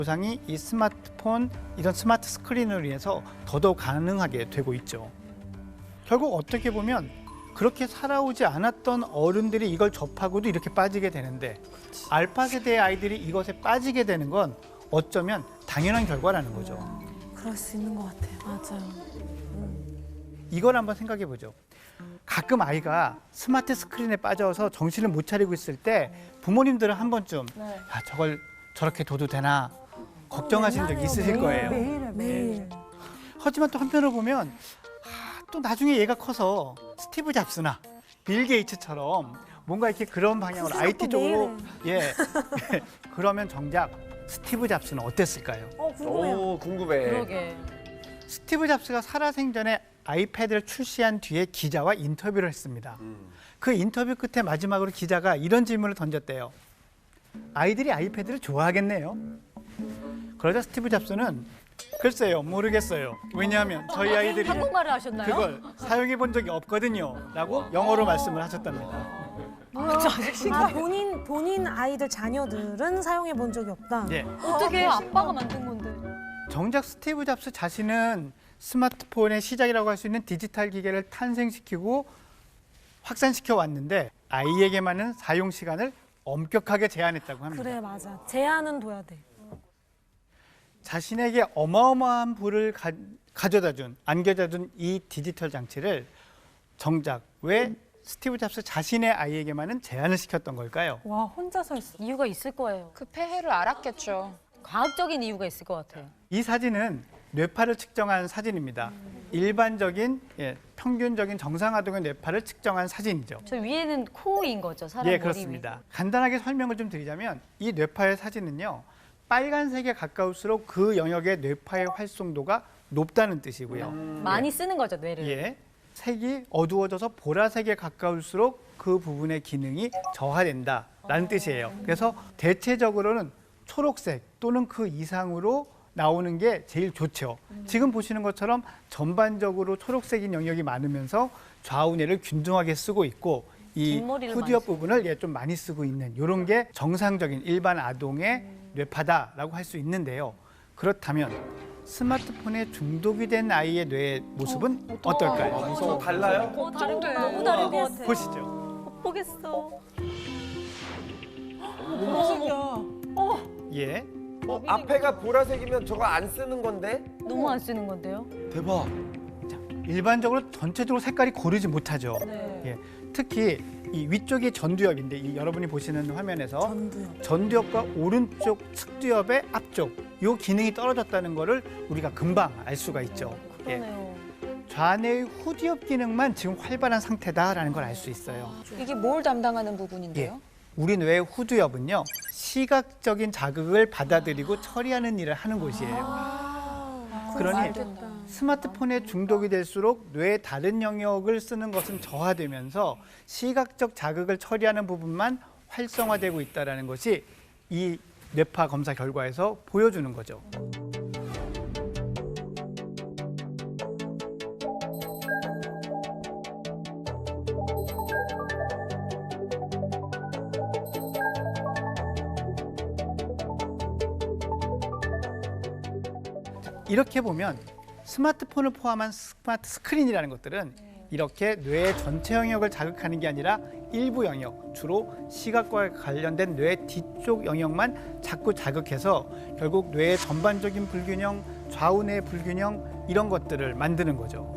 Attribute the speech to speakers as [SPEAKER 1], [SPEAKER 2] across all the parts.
[SPEAKER 1] 보상이 이 스마트폰, 이런 스마트 스크린으로 인해서 더더욱 가능하게 되고 있죠. 결국 어떻게 보면 그렇게 살아오지 않았던 어른들이 이걸 접하고도 이렇게 빠지게 되는데 알파 세대의 아이들이 이것에 빠지게 되는 건 어쩌면 당연한 결과라는 거죠.
[SPEAKER 2] 그럴 수 있는 것 같아요. 맞아요.
[SPEAKER 1] 이걸 한번 생각해 보죠. 가끔 아이가 스마트 스크린에 빠져서 정신을 못 차리고 있을 때 부모님들은 한 번쯤 야, 저걸 저렇게 둬도 되나 걱정하신 적이 있으실 거예요.
[SPEAKER 2] 매일.
[SPEAKER 1] 하지만 또 한편으로 보면 또 나중에 얘가 커서 스티브 잡스나 빌 게이츠처럼 뭔가 이렇게 그런 방향으로 IT 쪽으로 그러면 정작 스티브 잡스는 어땠을까요?
[SPEAKER 2] 궁금해요.
[SPEAKER 3] 오, 궁금해.
[SPEAKER 4] 그러게.
[SPEAKER 1] 스티브 잡스가 살아생전에 아이패드를 출시한 뒤에 기자와 인터뷰를 했습니다. 그 인터뷰 끝에 마지막으로 기자가 이런 질문을 던졌대요. 아이들이 아이패드를 좋아하겠네요. 그러자 스티브 잡스는 글쎄요, 모르겠어요. 왜냐하면 저희 아이들이
[SPEAKER 4] 한국말을 하셨나요?
[SPEAKER 1] 그걸 사용해 본 적이 없거든요. 라고 영어로 말씀을 하셨답니다.
[SPEAKER 2] 본인 아이들 자녀들은 사용해 본 적이 없다.
[SPEAKER 1] 예.
[SPEAKER 4] 어떻게 아빠가 만든 건데?
[SPEAKER 1] 정작 스티브 잡스 자신은 스마트폰의 시작이라고 할 수 있는 디지털 기계를 탄생시키고 확산시켜 왔는데 아이에게만은 사용 시간을 엄격하게 제한했다고 합니다.
[SPEAKER 2] 그래, 맞아. 제한은 둬야 돼.
[SPEAKER 1] 자신에게 어마어마한 부를 안겨다 준 이 디지털 장치를 정작 왜 스티브 잡스 자신의 아이에게만은 제한을 시켰던 걸까요?
[SPEAKER 2] 와, 혼자서 했어.
[SPEAKER 4] 이유가 있을 거예요.
[SPEAKER 5] 그 폐해를 알았겠죠.
[SPEAKER 4] 과학적인 이유가 있을 것 같아요.
[SPEAKER 1] 이 사진은 뇌파를 측정한 사진입니다. 일반적인 평균적인 정상아동의 뇌파를 측정한 사진이죠.
[SPEAKER 4] 저 위에는 코인 거죠, 사람 머리
[SPEAKER 1] 예, 그렇습니다. 간단하게 설명을 좀 드리자면 이 뇌파의 사진은요. 빨간색에 가까울수록 그 영역의 뇌파의 활성도가 높다는 뜻이고요.
[SPEAKER 4] 위. 많이 쓰는 거죠, 뇌를.
[SPEAKER 1] 예. 색이 어두워져서 보라색에 가까울수록 그 부분의 기능이 저하된다라는 뜻이에요. 그래서 대체적으로는 초록색 또는 그 이상으로 나오는 게 제일 좋죠. 지금 보시는 것처럼 전반적으로 초록색인 영역이 많으면서 좌우뇌를 균등하게 쓰고 있고 이
[SPEAKER 4] 뒷머리를
[SPEAKER 1] 후디업
[SPEAKER 4] 많이
[SPEAKER 1] 부분을 좀 많이 쓰고 있는 이런 게 정상적인 일반 아동의 뇌파다라고 할 수 있는데요. 그렇다면 스마트폰에 중독이 된 아이의 뇌의 모습은 어떨까요?
[SPEAKER 3] 저 달라요?
[SPEAKER 4] 다른데 너무 다른 것 같아.
[SPEAKER 1] 보시죠.
[SPEAKER 4] 못 보겠어.
[SPEAKER 1] 예.
[SPEAKER 3] 앞에가 보라색이면 저거 안 쓰는 건데?
[SPEAKER 4] 너무 안 쓰는 건데요?
[SPEAKER 3] 대박.
[SPEAKER 1] 일반적으로 전체적으로 색깔이 고르지 못하죠.
[SPEAKER 4] 네.
[SPEAKER 1] 예. 특히 이 위쪽이 전두엽인데 이 여러분이 보시는 화면에서 전두엽과 오른쪽 측두엽의 앞쪽 이 기능이 떨어졌다는 거를 우리가 금방 알 수가 있죠.
[SPEAKER 4] 그러네요.
[SPEAKER 1] 좌뇌의 후두엽 기능만 지금 활발한 상태다라는 걸 알 수 있어요.
[SPEAKER 5] 이게 뭘 담당하는 부분인데요?
[SPEAKER 1] 우리 뇌의 후두엽은요 시각적인 자극을 받아들이고 처리하는 일을 하는 곳이에요. 그러니 스마트폰에 중독이 될수록 뇌의 다른 영역을 쓰는 것은 저하되면서 시각적 자극을 처리하는 부분만 활성화되고 있다는 것이 이 뇌파 검사 결과에서 보여주는 거죠. 이렇게 보면 스마트폰을 포함한 스마트 스크린이라는 것들은 이렇게 뇌의 전체 영역을 자극하는 게 아니라 일부 영역, 주로 시각과 관련된 뇌 뒤쪽 영역만 자꾸 자극해서 결국 뇌의 전반적인 불균형, 좌우뇌 불균형 이런 것들을 만드는 거죠.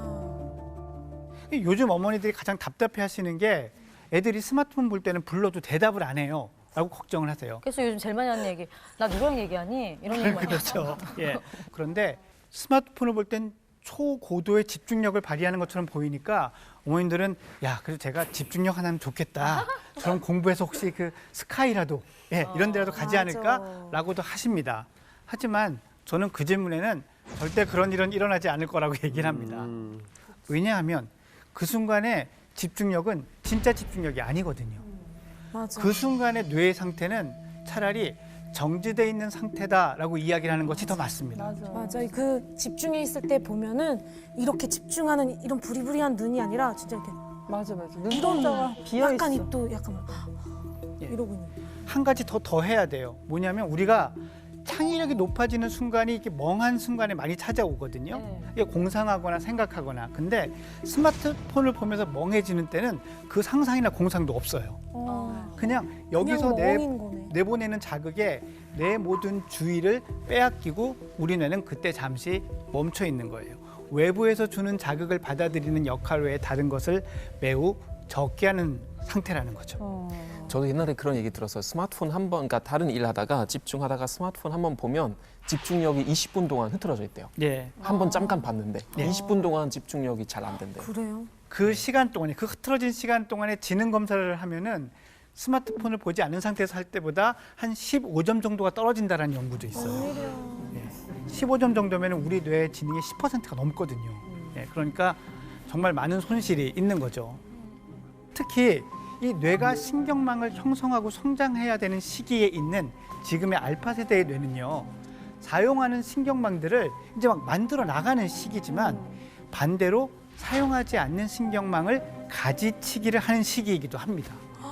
[SPEAKER 1] 요즘 어머니들이 가장 답답해 하시는 게 애들이 스마트폰 볼 때는 불러도 대답을 안 해요. 라고 걱정을 하세요.
[SPEAKER 4] 그래서 요즘 제일 많이 하는 얘기, 나 누구랑 얘기하니? 이런 얘기 많이
[SPEAKER 1] 그렇죠. 예. 그런데 스마트폰을 볼 땐 초고도의 집중력을 발휘하는 것처럼 보이니까 어머님들은 야, 그래도 제가 집중력 하나면 좋겠다. 저런 공부해서 혹시 그 스카이라도 이런 데라도 가지 않을까라고도 하십니다. 하지만 저는 그 질문에는 절대 그런 일은 일어나지 않을 거라고 얘기를 합니다. 왜냐하면 그 순간에 집중력은 진짜 집중력이 아니거든요.
[SPEAKER 2] 맞아.
[SPEAKER 1] 그 순간의 뇌의 상태는 차라리 정지돼 있는 상태다라고 이야기를 하는 것이 더 맞습니다.
[SPEAKER 2] 맞아. 그 집중해 있을 때 보면은 이렇게 집중하는 이런 부리부리한 눈이 아니라 진짜 이렇게
[SPEAKER 6] 맞아.
[SPEAKER 2] 눈동자가
[SPEAKER 6] 비어
[SPEAKER 2] 약간
[SPEAKER 6] 있어.
[SPEAKER 2] 입도 약간
[SPEAKER 1] 예.
[SPEAKER 2] 이러고 있는.
[SPEAKER 1] 한 가지 더 해야 돼요. 뭐냐면 우리가 창의력이 높아지는 순간이 이렇게 멍한 순간에 많이 찾아오거든요.
[SPEAKER 4] 네.
[SPEAKER 1] 이게 공상하거나 생각하거나. 근데 스마트폰을 보면서 멍해지는 때는 그 상상이나 공상도 없어요. 그냥 여기서
[SPEAKER 2] 멍인 거네.
[SPEAKER 1] 내보내는 자극에 내 모든 주의를 빼앗기고 우리 뇌는 그때 잠시 멈춰 있는 거예요. 외부에서 주는 자극을 받아들이는 역할 외에 다른 것을 매우 적게 하는 상태라는 거죠.
[SPEAKER 6] 저도 옛날에 그런 얘기 들었어요. 스마트폰 한 번, 그러니까 다른 일 하다가 집중하다가 스마트폰 한 번 보면 집중력이 20분 동안 흐트러져 있대요.
[SPEAKER 1] 예.
[SPEAKER 6] 한 번 잠깐 봤는데
[SPEAKER 1] 네.
[SPEAKER 6] 20분 동안 집중력이 잘 안 된대요.
[SPEAKER 2] 그래요?
[SPEAKER 1] 그 시간 동안에 그 흐트러진 시간 동안에 지능 검사를 하면은 스마트폰을 보지 않은 상태에서 할 때보다 한 15점 정도가 떨어진다라는 연구도 있어요. 예. 15점 정도면 우리 뇌의 지능의 10%가 넘거든요. 예. 그러니까 정말 많은 손실이 있는 거죠. 특히 이 뇌가 신경망을 형성하고 성장해야 되는 시기에 있는 지금의 알파 세대의 뇌는요. 사용하는 신경망들을 이제 막 만들어 나가는 시기지만 반대로 사용하지 않는 신경망을 가지치기를 하는 시기이기도 합니다.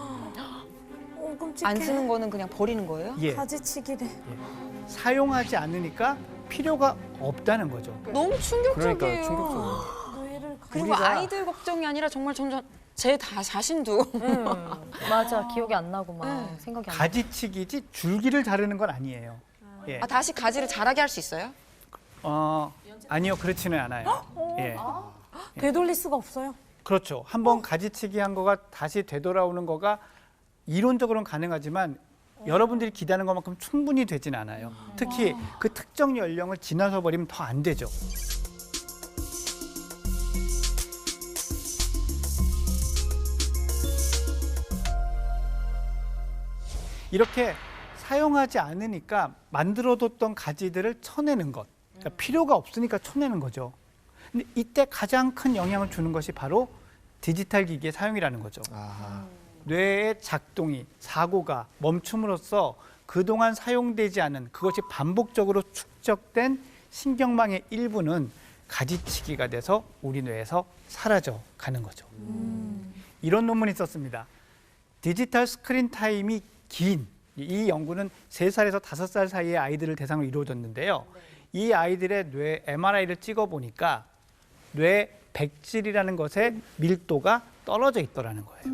[SPEAKER 2] 끔찍해.
[SPEAKER 5] 안 쓰는 거는 그냥 버리는 거예요?
[SPEAKER 1] 예.
[SPEAKER 2] 가지치기래.
[SPEAKER 1] 사용하지 않으니까 필요가 없다는 거죠.
[SPEAKER 5] 너무 충격적이에요.
[SPEAKER 6] 그러니까 충격적이에요.
[SPEAKER 2] 뇌를
[SPEAKER 5] 그리고
[SPEAKER 1] 우리가-
[SPEAKER 5] 아이들 걱정이 아니라 정말 점점 제 자신도
[SPEAKER 4] 맞아. 기억이 안 나고 막
[SPEAKER 5] 네.
[SPEAKER 4] 생각이 안 나.
[SPEAKER 1] 가지치기지 줄기를 자르는 건 아니에요. 예.
[SPEAKER 5] 다시 가지를 자라게 할 수 있어요?
[SPEAKER 1] 아니요, 그렇지는 않아요. 예.
[SPEAKER 2] 되돌릴 수가 없어요.
[SPEAKER 1] 그렇죠. 한번 가지치기 한 거가 다시 되돌아오는 거가 이론적으로는 가능하지만 여러분들이 기대하는 것만큼 충분히 되진 않아요. 특히 그 특정 연령을 지나서 버리면 더 안 되죠. 이렇게 사용하지 않으니까 만들어뒀던 가지들을 쳐내는 것. 그러니까 필요가 없으니까 쳐내는 거죠. 근데 이때 가장 큰 영향을 주는 것이 바로 디지털 기기의 사용이라는 거죠. 뇌의 작동이, 사고가 멈춤으로써 그동안 사용되지 않은 그것이 반복적으로 축적된 신경망의 일부는 가지치기가 돼서 우리 뇌에서 사라져 가는 거죠. 이런 논문이 있었습니다. 디지털 스크린 타임이 긴 이 연구는 3살에서 5살 사이의 아이들을 대상으로 이루어졌는데요. 이 아이들의 뇌 MRI를 찍어보니까 뇌 백질이라는 것의 밀도가 떨어져 있더라는 거예요.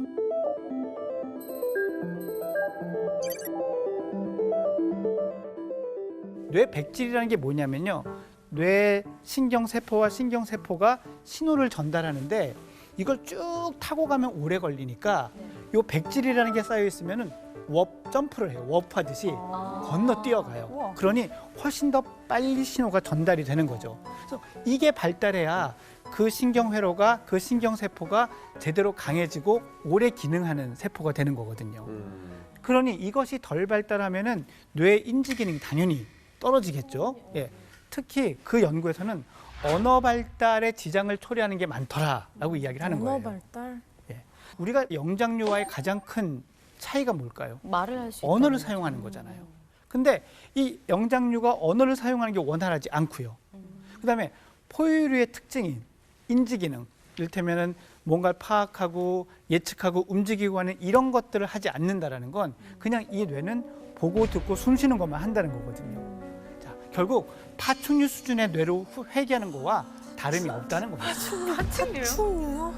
[SPEAKER 1] 뇌 백질이라는 게 뭐냐면요. 뇌 신경세포와 신경세포가 신호를 전달하는데 이걸 쭉 타고 가면 오래 걸리니까 이 백질이라는 게 쌓여 있으면은 점프를 해요. 워프하듯이 건너 뛰어가요. 그러니 훨씬 더 빨리 신호가 전달이 되는 거죠. 그래서 이게 발달해야 그 신경회로가 그 신경세포가 제대로 강해지고 오래 기능하는 세포가 되는 거거든요. 그러니 이것이 덜 발달하면은 뇌 인지 기능이 당연히 떨어지겠죠. 예. 특히 그 연구에서는 언어 발달에 지장을 초래하는 게 많더라라고 이야기를 하는 거예요.
[SPEAKER 2] 언어 발달.
[SPEAKER 1] 예. 우리가 영장류와의 가장 큰 차이가 뭘까요?
[SPEAKER 4] 말을 할 수 있다.
[SPEAKER 1] 언어를 사용하는 거잖아요. 근데 이 영장류가 언어를 사용하는 게 원활하지 않고요. 그다음에 포유류의 특징인 인지기능, 이를테면은 뭔가를 파악하고 예측하고 움직이고 하는 이런 것들을 하지 않는다라는 건 그냥 이 뇌는 보고 듣고 숨 쉬는 것만 한다는 거거든요. 자, 결국 파충류 수준의 뇌로 회귀하는 거와 다름이 없다는 겁니다.
[SPEAKER 2] 충류요?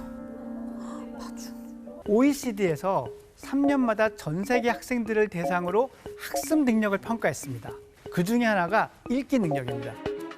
[SPEAKER 1] OECD에서 3년마다 전 세계 학생들을 대상으로 학습 능력을 평가했습니다. 그 중에 하나가 읽기 능력입니다.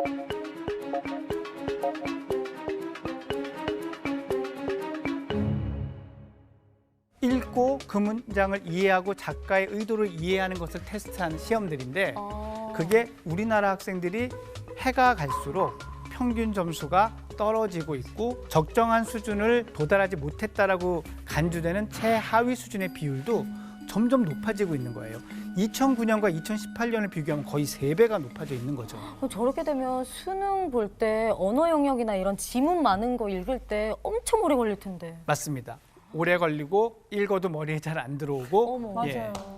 [SPEAKER 1] 읽고 그 문장을 이해하고 작가의 의도를 이해하는 것을 테스트한 시험들인데 그게 우리나라 학생들이 해가 갈수록 평균 점수가 떨어지고 있고 적정한 수준을 도달하지 못했다라고 간주되는 최하위 수준의 비율도 점점 높아지고 있는 거예요. 2009년과 2018년을 비교하면 거의 3배가 높아져 있는 거죠.
[SPEAKER 4] 저렇게 되면 수능 볼 때 언어 영역이나 이런 지문 많은 거 읽을 때 엄청 오래 걸릴 텐데.
[SPEAKER 1] 맞습니다. 오래 걸리고 읽어도 머리에 잘 안 들어오고
[SPEAKER 4] 어머.
[SPEAKER 1] 예.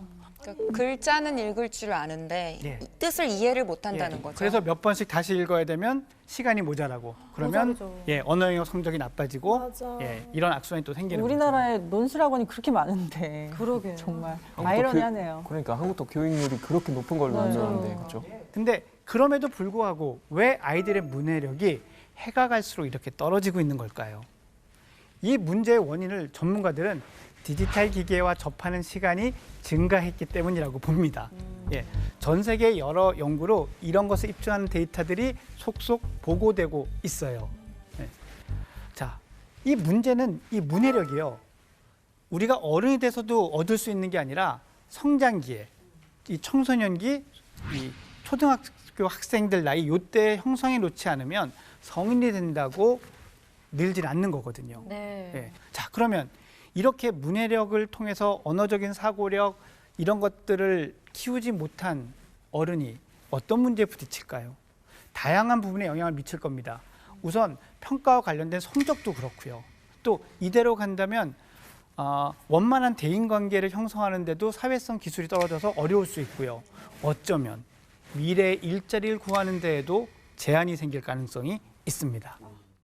[SPEAKER 5] 그러니까 글자는 읽을 줄 아는데
[SPEAKER 1] 예.
[SPEAKER 5] 이 뜻을 이해를 못한다는
[SPEAKER 1] 예,
[SPEAKER 5] 거죠.
[SPEAKER 1] 그래서 몇 번씩 다시 읽어야 되면 시간이 모자라고 그러면
[SPEAKER 4] 모자르죠.
[SPEAKER 1] 예, 언어 영역 성적이 나빠지고
[SPEAKER 2] 맞아.
[SPEAKER 1] 예, 이런 악순환이 또 생기는
[SPEAKER 7] 우리나라에 논술학원이 그렇게 많은데
[SPEAKER 4] 그러게요.
[SPEAKER 7] 정말
[SPEAKER 6] 한국도
[SPEAKER 7] 아이러니하네요.
[SPEAKER 6] 그러니까 한국도 교육률이 그렇게 높은 걸로 알고 있는데 그렇죠?
[SPEAKER 1] 거죠. 근데 그럼에도 불구하고 왜 아이들의 문해력이 해가 갈수록 이렇게 떨어지고 있는 걸까요? 이 문제의 원인을 전문가들은 디지털 기기와 접하는 시간이 증가했기 때문이라고 봅니다. 예, 전 세계 여러 연구로 이런 것을 입증하는 데이터들이 속속 보고되고 있어요. 예. 자, 이 문제는 이 문해력이요. 우리가 어른이 돼서도 얻을 수 있는 게 아니라 성장기에 이 청소년기, 이 초등학교 학생들 나이 요때 형성해 놓지 않으면 성인이 된다고 늘질 않는 거거든요.
[SPEAKER 4] 네.
[SPEAKER 1] 예. 자, 그러면 이렇게 문해력을 통해서 언어적인 사고력 이런 것들을 키우지 못한 어른이 어떤 문제에 부딪힐까요? 다양한 부분에 영향을 미칠 겁니다. 우선 평가와 관련된 성적도 그렇고요. 또 이대로 간다면 원만한 대인관계를 형성하는데도 사회성 기술이 떨어져서 어려울 수 있고요. 어쩌면 미래의 일자리를 구하는 데에도 제한이 생길 가능성이 있습니다.